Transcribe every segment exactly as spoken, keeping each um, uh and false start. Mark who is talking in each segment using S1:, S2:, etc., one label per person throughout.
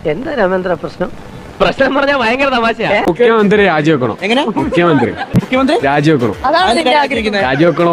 S1: എന്താ രാമേന്ദ്ര പ്രശ്നം? പ്രശ്നം പറഞ്ഞാൽ ഭയങ്കര തമാശയാ.
S2: മുഖ്യമന്ത്രി രാജിവെക്കണം.
S3: എങ്ങനെ?
S2: മുഖ്യമന്ത്രി
S3: മുഖ്യമന്ത്രി
S2: രാജിവെക്കണം. രാജിവെക്കണം.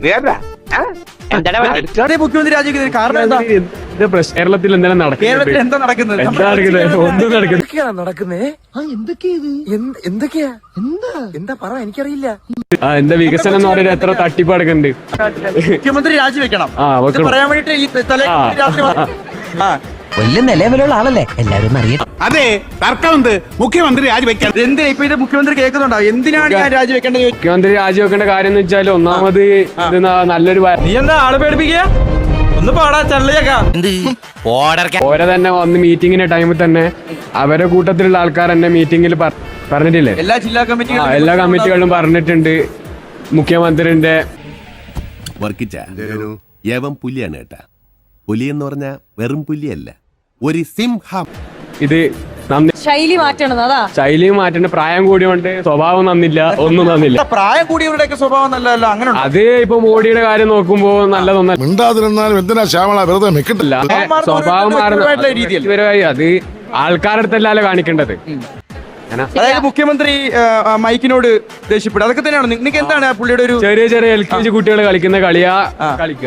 S3: മുഖ്യമന്ത്രി രാജിവെക്കുന്നത് കാരണം എന്താ?
S2: കേരളത്തിൽ എന്തെങ്കിലും നടക്കുന്നത്?
S3: കേരളത്തിൽ എന്താ നടക്കുന്നത്?
S2: എന്താ നടക്കുന്നത്? ഒന്നും നടക്കുന്നത്
S1: നടക്കുന്നേ എന്തൊക്കെയാ എന്താ എന്താ പറ എനിക്കറിയില്ല.
S2: ആ എന്താ വികസനം എന്ന് പറയുന്നത്? എത്ര തട്ടിപ്പ് നടക്കുന്നുണ്ട്.
S3: മുഖ്യമന്ത്രി രാജിവെക്കണം.
S2: ആ വെക്കണം.
S3: പറയാൻ വേണ്ടിട്ട് ഈ തലേ രാത്രി ആ
S1: വലിയ നിലവിലുള്ള ആളല്ലേ, എല്ലാവരും അറിയാം.
S4: അതെ, തർക്കമുണ്ട്. മുഖ്യമന്ത്രി രാജിവെക്കാൻ
S3: എന്തിനാ ഇപ്പൊ ഇത് മുഖ്യമന്ത്രി കേൾക്കുന്നുണ്ടോ? എന്തിനാണ് ഞാൻ രാജിവെക്കേണ്ടത്?
S2: മുഖ്യമന്ത്രി രാജിവെക്കേണ്ട കാര്യം എന്ന് വെച്ചാൽ ഒന്നാമത് ഇത് ന- നല്ലൊരു വ-
S3: നീ എന്താ ആളെ പേടിപ്പിക്കുക? ഒന്ന് പാടാ ചള്ളിയേക്കാ.
S2: ഓരെ തന്നെ വന്ന് മീറ്റിങ്ങിന്റെ ടൈമിൽ തന്നെ അവരുടെ കൂട്ടത്തിലുള്ള ആൾക്കാർ തന്നെ മീറ്റിംഗിൽ പറഞ്ഞിട്ടില്ലേ?
S3: എല്ലാ ജില്ലാ
S2: ആ
S3: കമ്മിറ്റികളും
S2: എല്ലാ കമ്മിറ്റികളും പറഞ്ഞിട്ടുണ്ട് മുഖ്യമന്ത്രിന്റെ.
S5: വർക്കിച്ച യവം പുലിയാണ് കേട്ടാ. പുലി എന്ന് പറഞ്ഞ വെറും പുലിയല്ല, ഒരു സിംഹം.
S2: ഇത് നന്ദി
S6: ശൈലി മാറ്റണം. അതാ
S2: ശൈലിയും മാറ്റേണ്ട. പ്രായം കൂടിയോണ്ട് സ്വഭാവം നന്നില്ല, ഒന്നും നന്നില്ല.
S3: പ്രായം കൂടിയവരുടെയൊക്കെ സ്വഭാവം നല്ലതല്ല. അങ്ങനെ
S2: അത് ഇപ്പൊ മോഡിയുടെ കാര്യം നോക്കുമ്പോ നല്ലതൊന്നല്ല.
S7: മിണ്ടാതിരുന്നാലും എന്തിനാ ശ്യാമള വെറുതെ നിൽക്കട്ടില്ല.
S2: സ്വഭാവം മാറുന്ന
S3: രീതിയിൽ
S2: വ്യക്തിപരമായി അത് ആൾക്കാരുടെ അടുത്തല്ലല്ലോ കാണിക്കേണ്ടത്.
S3: അതായത് മുഖ്യമന്ത്രി ആ, ആ, മൈക്കിനോട് ദേഷ്യപ്പെടും. അതൊക്കെ തന്നെയാണ്. നിങ്ങൾക്ക് എന്താണ് ആ പുള്ളിയുടെ ഒരു
S2: ചെറിയ ചെറിയ എൽ കെ ജി കുട്ടികൾ കളിക്കുന്ന കളിയാ കളിക്കുക.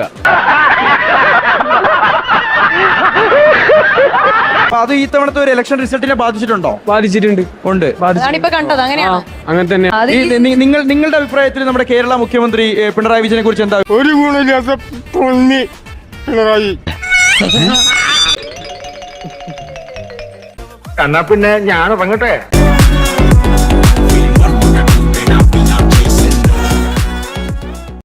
S3: അപ്പൊ അത് ഈ തവണത്തെ ഒരു ഇലക്ഷൻ റിസൾട്ടിനെ ബാധിച്ചിട്ടുണ്ടോ?
S2: ബാധിച്ചിട്ടുണ്ട്.
S3: ഉണ്ട്.
S6: അതാണ് ഇപ്പൊ കണ്ടത്. അങ്ങനെയാണ്.
S2: അങ്ങനെ തന്നെ.
S6: അത്
S3: ഈ നി- നിങ്ങൾ നിങ്ങളുടെ അഭിപ്രായത്തിൽ നമ്മുടെ കേരള മുഖ്യമന്ത്രി ഏ, പിണറായി വിജയനെ കുറിച്ച് എന്താ?
S7: ഒരു ഗുണമില്ലാത്ത പൊന്നി പിണറായി.
S4: എന്നാ പിന്നെ ഞാൻ ഇറങ്ങട്ടെ.